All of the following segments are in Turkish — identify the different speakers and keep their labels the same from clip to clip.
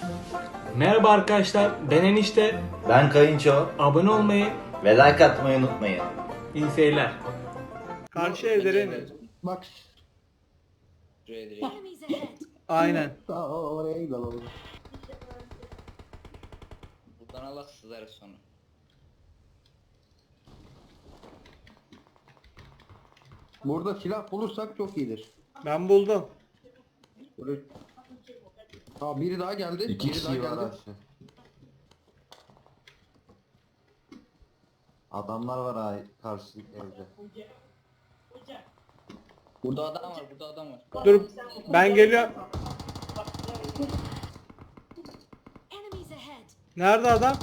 Speaker 1: Merhaba arkadaşlar, ben Enişte.
Speaker 2: Ben Kayınço
Speaker 1: Abone olmayı,
Speaker 2: ve like atmayı unutmayın.
Speaker 1: iyi seyirler. Karşı evlerin.
Speaker 3: Bak.
Speaker 4: Şuraya direkt.
Speaker 5: Enemies ahead.
Speaker 1: Aynen.
Speaker 3: Daha oraya gidelim.
Speaker 4: Buradan Allah sızarız sonra.
Speaker 3: Burada silah bulursak çok iyidir.
Speaker 1: Ben buldum.
Speaker 3: Böyle... Ha biri daha geldi.
Speaker 2: İki
Speaker 3: biri daha
Speaker 2: kişi var
Speaker 3: geldi.
Speaker 2: aşağı. Adamlar var ha karşı evde.
Speaker 4: Burada adam var, burada adam var.
Speaker 1: Dur, ben geliyorum.
Speaker 5: Enemies ahead.
Speaker 1: Nerede adam?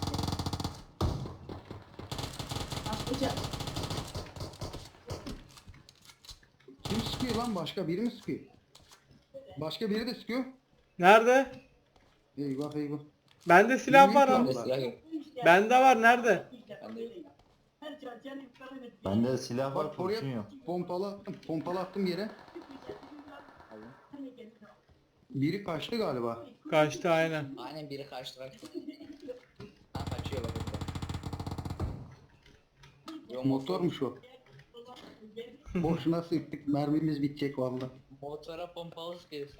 Speaker 3: Kim sıkıyor lan? Başka biri mi sıkıyor? Başka biri de sıkıyor.
Speaker 1: Nerede?
Speaker 3: Eyvah eyvah.
Speaker 1: Bende silah var
Speaker 3: Bilmiyorum
Speaker 1: ama.
Speaker 4: Bende silah yok.
Speaker 1: Bende var, nerede?
Speaker 4: Bende yok.
Speaker 2: Bende silah var,
Speaker 3: Bak
Speaker 2: kurşun
Speaker 3: oraya
Speaker 2: yok.
Speaker 3: pompalı attım yere. Biri kaçtı galiba.
Speaker 1: Kaçtı aynen.
Speaker 4: Aynen biri kaçtı kaçtı. Ha kaçıyor bak burada. Yo,
Speaker 3: Motormuş o. Boşuna sıktık. Mermimiz bitecek vallahi.
Speaker 4: Motora pompalı sıkıyorsun.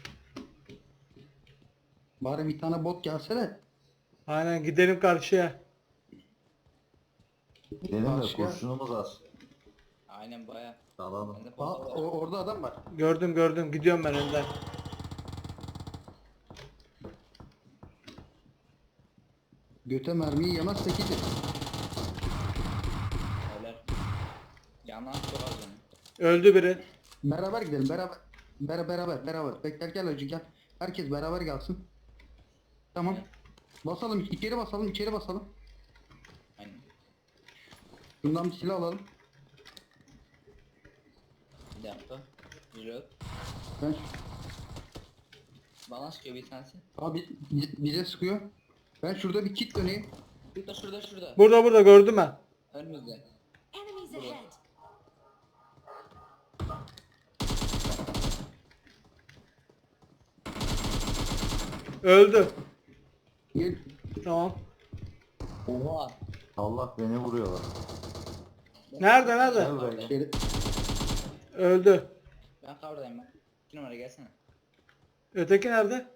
Speaker 3: Bari bir tane bot gelse de.
Speaker 1: Aynen, gidelim karşıya.
Speaker 2: Benim de
Speaker 3: Başka?
Speaker 2: kurşunumuz az.
Speaker 4: Aynen baya.
Speaker 2: Dalalım.
Speaker 4: Bende
Speaker 3: Aa,
Speaker 4: pompalı var.
Speaker 3: orada adam var.
Speaker 1: Gördüm, gidiyorum ben önden.
Speaker 3: Göte mermiyi yemezsek iyidir.
Speaker 4: Helal. Yanan çok az onun.
Speaker 1: Öldü biri.
Speaker 3: Beraber gidelim beraber. Bekler gel hacı gel. Herkes beraber gelsin. Tamam. Basalım içeri basalım.
Speaker 4: Aynen.
Speaker 3: Bundan bir silah alalım.
Speaker 4: Bir dakika. Reload.
Speaker 3: Ben
Speaker 4: Bana sıkıyor bir tanesi.
Speaker 3: abi bize sıkıyor. Ben şurada bir kit döneyim.
Speaker 4: Şurada.
Speaker 1: Burada gördüm ben.
Speaker 4: Önümüzde.
Speaker 5: Enemies ahead.
Speaker 1: Öldü.
Speaker 3: Gel.
Speaker 1: Tamam.
Speaker 4: Oha.
Speaker 2: Allah beni vuruyorlar.
Speaker 1: Nerede?
Speaker 2: Gel buraya.
Speaker 3: İçeri.
Speaker 1: Öldü.
Speaker 4: Ben kavradayım ben. 2 numara gelsene.
Speaker 1: Öteki nerede?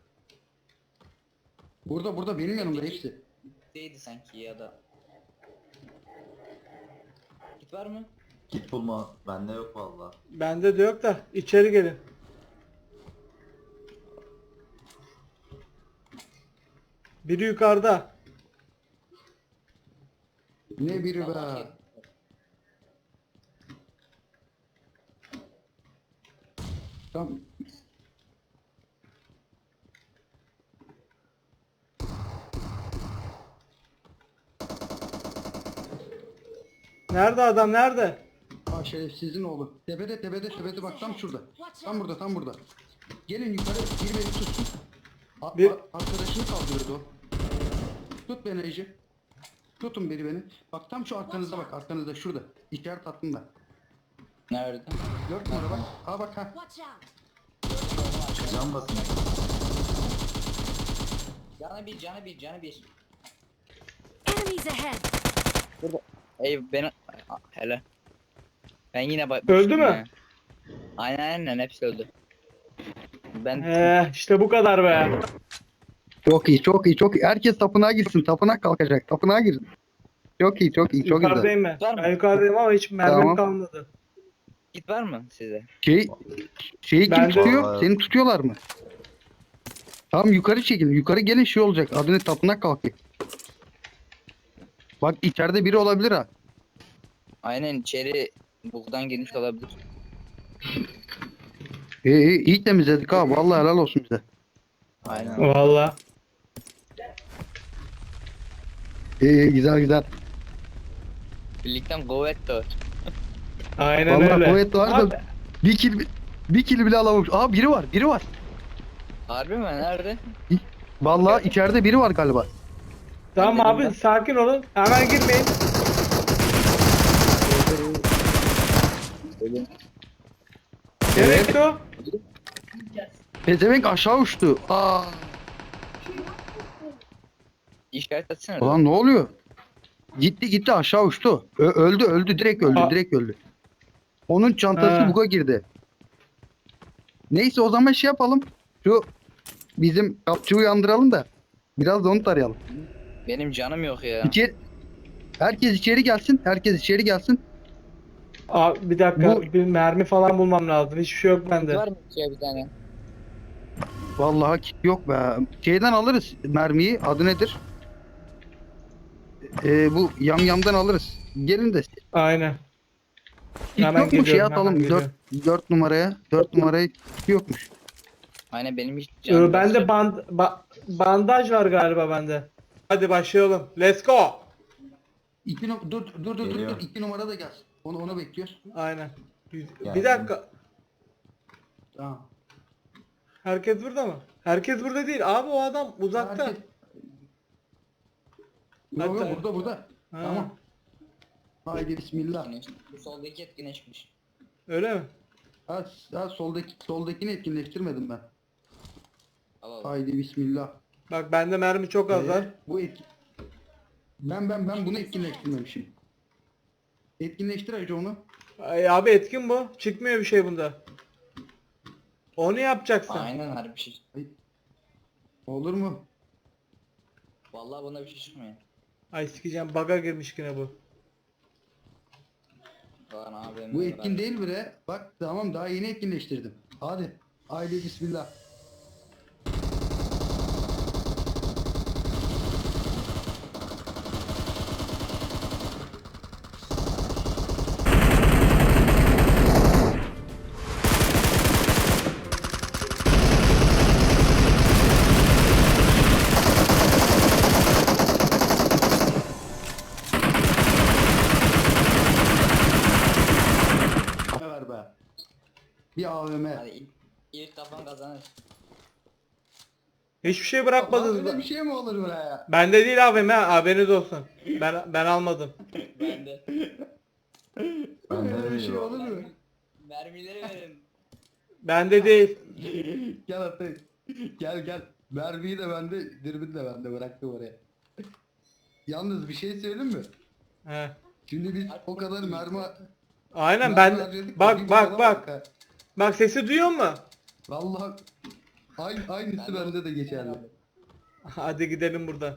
Speaker 3: Burada benim yanımda hepsi.
Speaker 4: Değildi sanki ya da. Git var mı?
Speaker 2: Git bulma. Bende yok valla.
Speaker 1: Bende de yok da, içeri gelin. Biri yukarıda.
Speaker 3: Ne biri
Speaker 4: Allah
Speaker 3: be.
Speaker 4: ki.
Speaker 3: Tam
Speaker 1: Nerede adam, nerede?
Speaker 3: ha şerefsizin oğlu. Tepede bak tam şurada. Tam burada. Gelin yukarı biri beni tutsun. Arkadaşını kaldırdı o. Tut beni Ece. Tutun biri beni. Bak tam şu arkanızda bak arkanızda şurada. İşaret attım da.
Speaker 4: Nerede?
Speaker 3: 4 numara bak. Ha bak ha.
Speaker 5: Watch out.
Speaker 2: Can basın.
Speaker 4: Canı bir.
Speaker 5: Enemies ahead.
Speaker 4: Ey ben hele. Ben yine bak.
Speaker 1: Öldü mü?
Speaker 4: Aynen hepsi öldü. Ben
Speaker 1: İşte bu kadar be.
Speaker 3: Çok iyi. Herkes tapınağa girsin. Tapınak kalkacak. Tapınağa girin. Çok iyi. Çok güzel.
Speaker 1: Yukarıdayım ben.
Speaker 4: Var mı?
Speaker 1: Ben yukarıdayım ama hiç mermim
Speaker 3: Tamam.
Speaker 1: kalmadı.
Speaker 4: git var mı size?
Speaker 3: Şeyi kim
Speaker 1: Ben de-
Speaker 3: tutuyor?
Speaker 2: Vallahi-
Speaker 3: Seni tutuyorlar mı? Tamam yukarı çekin. Yukarı gelin şey olacak. Adını tapınak kalkıyor. Bak içeride biri olabilir ha.
Speaker 4: Aynen içeri buktan girmiş olabilir.
Speaker 3: İyi temizledik ha. Vallahi helal olsun bize.
Speaker 4: Aynen.
Speaker 1: Vallahi.
Speaker 3: İyi güzel.
Speaker 4: Birlikten kuvvet de var.
Speaker 1: Aynen
Speaker 3: Vallahi
Speaker 1: öyle.
Speaker 3: kuvvet var
Speaker 1: Abi,
Speaker 3: da bir kill bile alamamış. Aa biri var.
Speaker 4: Harbi mi? Nerede?
Speaker 3: Vallahi içeride biri var galiba.
Speaker 1: tamam
Speaker 4: Ben
Speaker 1: abi,
Speaker 4: dedim
Speaker 1: sakin olun. Hemen girmeyin. Nereye gitti o?
Speaker 3: Pezevenk aşağı uçtu. Aa.
Speaker 4: İşaret etsene.
Speaker 3: Ulan ne oluyor? Gitti aşağı uçtu. Öldü direkt öldü
Speaker 1: Aa.
Speaker 3: direkt öldü. Onun çantası
Speaker 1: Ha.
Speaker 3: buga girdi. Neyse o zaman şey yapalım. Şu bizim kapçıyı uyandıralım da biraz da onu tarayalım.
Speaker 4: Benim canım yok ya.
Speaker 3: Herkes içeri gelsin. Herkes içeri gelsin.
Speaker 1: Abi bir dakika,
Speaker 3: Bu-
Speaker 1: bir mermi falan bulmam lazım. Hiçbir şey yok bende.
Speaker 4: Var mı şey bir tane?
Speaker 3: Vallahi kit yok be. Şeyden alırız mermiyi. Adı nedir? Bu yamyamdan alırız. Gelin de.
Speaker 1: Aynen.
Speaker 3: Kit
Speaker 1: Hemen
Speaker 3: yok mu? Şey
Speaker 1: geliyorum,
Speaker 3: atalım.
Speaker 1: hemen
Speaker 3: 4 numaraya. 4 numaraya kit yokmuş.
Speaker 4: Aynen benim hiç canım yok.
Speaker 1: Bende bandaj var galiba bende. Hadi başlayalım. Let's go.
Speaker 3: Dur.
Speaker 2: Geliyor.
Speaker 3: 2 numara da gelsin. Onu bekliyoruz.
Speaker 1: Aynen.
Speaker 2: Geldim.
Speaker 1: Bir dakika.
Speaker 3: Tamam.
Speaker 1: Herkes burada mı? Herkes burada değil. Abi o adam uzakta.
Speaker 3: Herkes- Yok
Speaker 1: Hatta-
Speaker 3: yok burada.
Speaker 1: Ha,
Speaker 3: Tamam. Haydi bismillah.
Speaker 4: Güneş. Bu soldaki etkileşmiş.
Speaker 1: Öyle mi?
Speaker 3: Ha soldakini etkinleştirmedim ben.
Speaker 4: Al al.
Speaker 3: Haydi bismillah.
Speaker 1: Bak bende mermi çok az var.
Speaker 3: Bu ben bunu etkinleştirmemişim. Etkinleştir Hacı onu.
Speaker 1: Ay abi etkin bu. Çıkmıyor bir şey bunda. Onu yapacaksın.
Speaker 4: Aynen harbi bir şey.
Speaker 3: Olur mu?
Speaker 4: Vallahi buna bir şey çıkmıyor.
Speaker 1: Ay sikeceğim, bug'a girmiş yine bu.
Speaker 4: Lan abi.
Speaker 3: Bu etkin değil bile. Bak tamam daha yeni etkinleştirdim. Hadi. Haydi bismillah. Ne ver be? Bir AVM.
Speaker 4: Hadi ilk kafan kazanır.
Speaker 1: Hiçbir şey bırakmadınız
Speaker 3: Öyle
Speaker 1: mı?
Speaker 3: bir şey mi olur buraya?
Speaker 1: Bende değil abim ha, haberiniz olsun. Ben almadım.
Speaker 4: Ben de.
Speaker 2: Bende
Speaker 3: Öyle bir
Speaker 2: de
Speaker 3: şey
Speaker 2: yok.
Speaker 3: olur mu?
Speaker 4: Mermileri verin.
Speaker 1: Bende değil.
Speaker 3: Gel Atay. Gel. Mermiyi de bende, dürbün de bende bıraktım oraya. Yalnız bir şey söyleyeyim mi?
Speaker 1: He.
Speaker 3: Şimdi biz o kadar mermi...
Speaker 1: Aynen
Speaker 3: mermi
Speaker 1: ben.
Speaker 3: harcadık da
Speaker 1: Bak
Speaker 3: bir
Speaker 1: bak
Speaker 3: bana
Speaker 1: bak.
Speaker 3: ha.
Speaker 1: Bak sesi duyuyor mu?
Speaker 3: Vallahi aynısı bende de geçerli.
Speaker 1: Hadi gidelim buradan.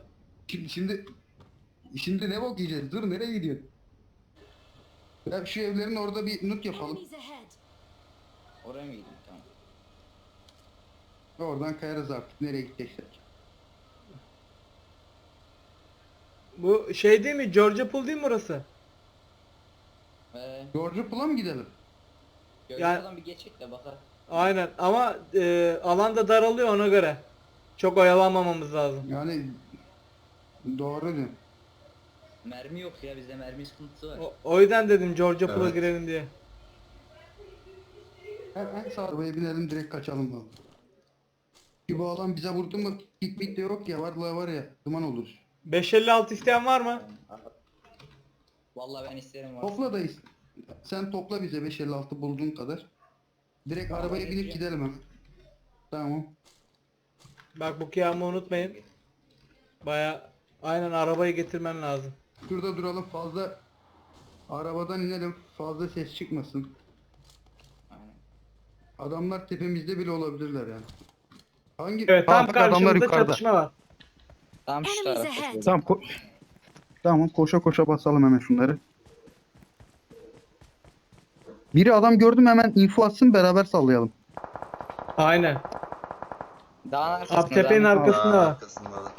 Speaker 3: Şimdi ne bok yiyeceğiz? Dur nereye gidiyorsun? Ya şu evlerin orada bir nut yapalım.
Speaker 5: Enemies ahead.
Speaker 4: Oraya mı gideyim? Tamam.
Speaker 3: Oradan kayarız artık. Nereye gideceksek.
Speaker 1: Bu şey değil mi? Georgia Pool değil mi orası?
Speaker 3: George Pool'a mı gidelim?
Speaker 4: Gözlerden bir geçecek de bakar.
Speaker 1: Aynen ama alan da daralıyor ona göre. Çok oyalanmamamız lazım.
Speaker 3: Yani doğru diyorsun.
Speaker 4: Mermi yok ya bizde mermi sıkıntısı var.
Speaker 1: O yüzden dedim Georgia Pool'a
Speaker 2: Evet.
Speaker 1: girelim diye.
Speaker 3: Hemen sağ arabaya binelim direkt kaçalım baba. Ki bu alan bize vurdu mu kickback de yok ya var ya duman oluruz.
Speaker 1: 556 isteyen var mı?
Speaker 4: Vallahi ben isterim var.
Speaker 3: Topla da sen topla bize 556 bulduğun kadar. Direkt arabaya binip gidelim hemen. Tamam.
Speaker 1: Bak bu kıyamı unutmayın. Baya aynen arabayı getirmen lazım.
Speaker 3: Şurada duralım fazla arabadan inelim fazla ses çıkmasın.
Speaker 4: Aynen.
Speaker 3: Adamlar tepemizde bile olabilirler yani. Hangi?
Speaker 1: Evet tam
Speaker 3: bak adamlar
Speaker 1: karşımızda
Speaker 3: yukarıda.
Speaker 1: çatışma var.
Speaker 4: Tamam şu
Speaker 5: Enemies
Speaker 4: tarafta.
Speaker 5: ahead.
Speaker 3: Tamam tamam koşa basalım hemen şunları. Biri adam gördüm hemen info atsın beraber sallayalım.
Speaker 1: Aynen.
Speaker 4: Dağın arkasında.
Speaker 1: Abi tepenin
Speaker 4: dağın-
Speaker 1: arkasında var.
Speaker 2: Arkasında da.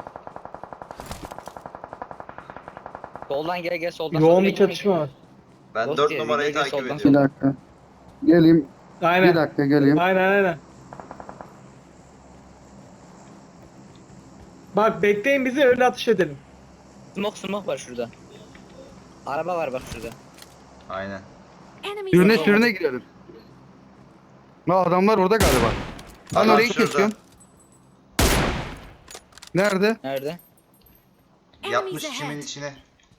Speaker 4: Soldan gel soldan.
Speaker 1: Yoğun
Speaker 4: soldan
Speaker 1: bir
Speaker 4: gel.
Speaker 1: çatışma var.
Speaker 2: Ben
Speaker 4: Dost
Speaker 2: 4
Speaker 4: diye,
Speaker 2: numarayı
Speaker 4: gel,
Speaker 2: takip
Speaker 4: soldan.
Speaker 3: Bir
Speaker 2: ediyorum.
Speaker 3: dakika. Geleyim. Bir
Speaker 1: Aynen.
Speaker 3: dakika geleyim.
Speaker 1: Aynen. Bak bekleyin bizi öyle atış edelim.
Speaker 4: Smoke var şurada. Araba var bak şurada.
Speaker 2: Aynen.
Speaker 5: Enemies
Speaker 3: Sürüne
Speaker 5: ahead.
Speaker 3: sürüne girelim. Ha adamlar orada galiba. Ben
Speaker 2: Adam
Speaker 3: orayı
Speaker 2: şurada.
Speaker 3: kesiyorum. Nerede?
Speaker 4: Nerede?
Speaker 2: Yatmış
Speaker 5: Enemies
Speaker 2: çimin
Speaker 5: ahead.
Speaker 2: içine.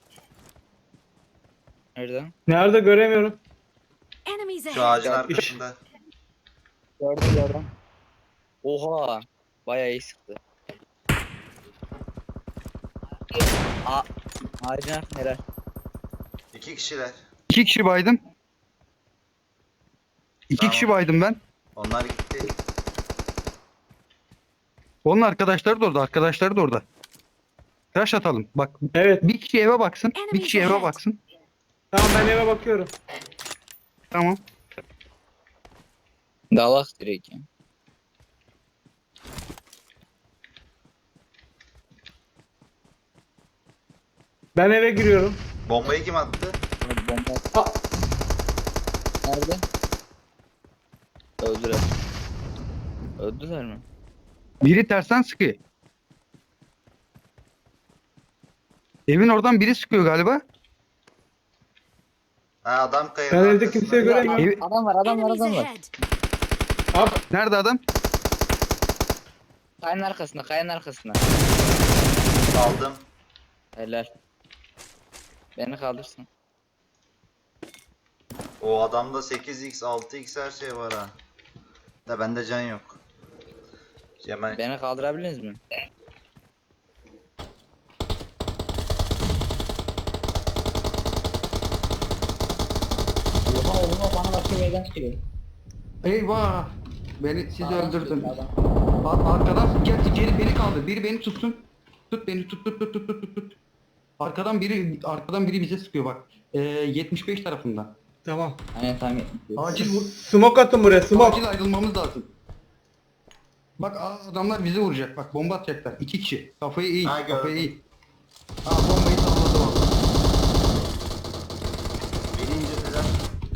Speaker 4: Nerede?
Speaker 1: Nerede göremiyorum.
Speaker 5: Enemies
Speaker 2: Şu
Speaker 5: ahead.
Speaker 2: ağacın arkasında.
Speaker 4: Gördüm. Oha. Bayağı iyi sıktı. Ağacın arkasında helal.
Speaker 2: 2 kişiler.
Speaker 3: 2 kişi baydım. 2
Speaker 2: Tamam.
Speaker 3: kişi baydım ben.
Speaker 2: Onlar gitti.
Speaker 3: Onun arkadaşları da orada. Arkadaşları da orada. Crash atalım. Bak
Speaker 1: Evet.
Speaker 3: bir kişi eve baksın. Bir kişi eve baksın.
Speaker 1: Tamam ben eve bakıyorum.
Speaker 3: Tamam.
Speaker 4: Dalak direkt ya.
Speaker 1: Ben eve giriyorum.
Speaker 2: Bombayı kim attı?
Speaker 4: Hadi bomba.
Speaker 1: Aa,
Speaker 4: Nerede? Öldüler. Öldüler mi?
Speaker 3: Biri tersten sıkıyor. Evin oradan biri sıkıyor galiba.
Speaker 2: Ha adam kayanın
Speaker 1: Ben evde
Speaker 2: arkasında.
Speaker 1: kimseyi göremiyorum.
Speaker 3: Ev-
Speaker 4: Adam var
Speaker 5: Enemies ahead.
Speaker 1: Abi,
Speaker 3: Nerede adam?
Speaker 4: Kayanın arkasında, kayanın arkasında.
Speaker 2: Aldım.
Speaker 4: Helal. Beni kaldırsın.
Speaker 2: O adamda 8x 6x her şey var ha. Da bende can yok. Cemal.
Speaker 4: Beni kaldırabilirsiniz mi? Oha oğlum bana başka bir yerden çıkıyor.
Speaker 3: Eyvah. Sizi
Speaker 4: Sağdan
Speaker 3: öldürdüm.
Speaker 4: çıkıyor, sağdan.
Speaker 3: Arkadan gel beni kaldır. Biri beni tutsun. Tut beni tut. Arkadan biri bize sıkıyor bak. 75 tarafından.
Speaker 1: tamam.
Speaker 4: Aynen tamam.
Speaker 3: Acil vur.
Speaker 1: Smoke atın buraya smoke.
Speaker 3: Acil ayrılmamız lazım. Bak adamlar bizi vuracak. Bak bomba atacaklar. 2 kişi. Kafayı iyi.
Speaker 2: Ha, gördüm.
Speaker 3: Kafayı iyi. Bombayı salladı valla.
Speaker 2: Beni indirdiler.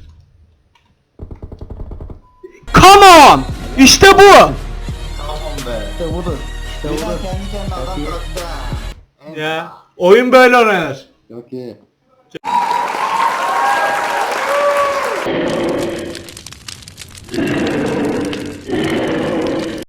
Speaker 1: Come on! İşte bu.
Speaker 2: Tamam be.
Speaker 3: İşte budur. İşte
Speaker 2: Bir an
Speaker 3: budur.
Speaker 2: kendi kendine adam bıraktı ha.
Speaker 1: Ya oyun böyle oynanır.
Speaker 3: Okey.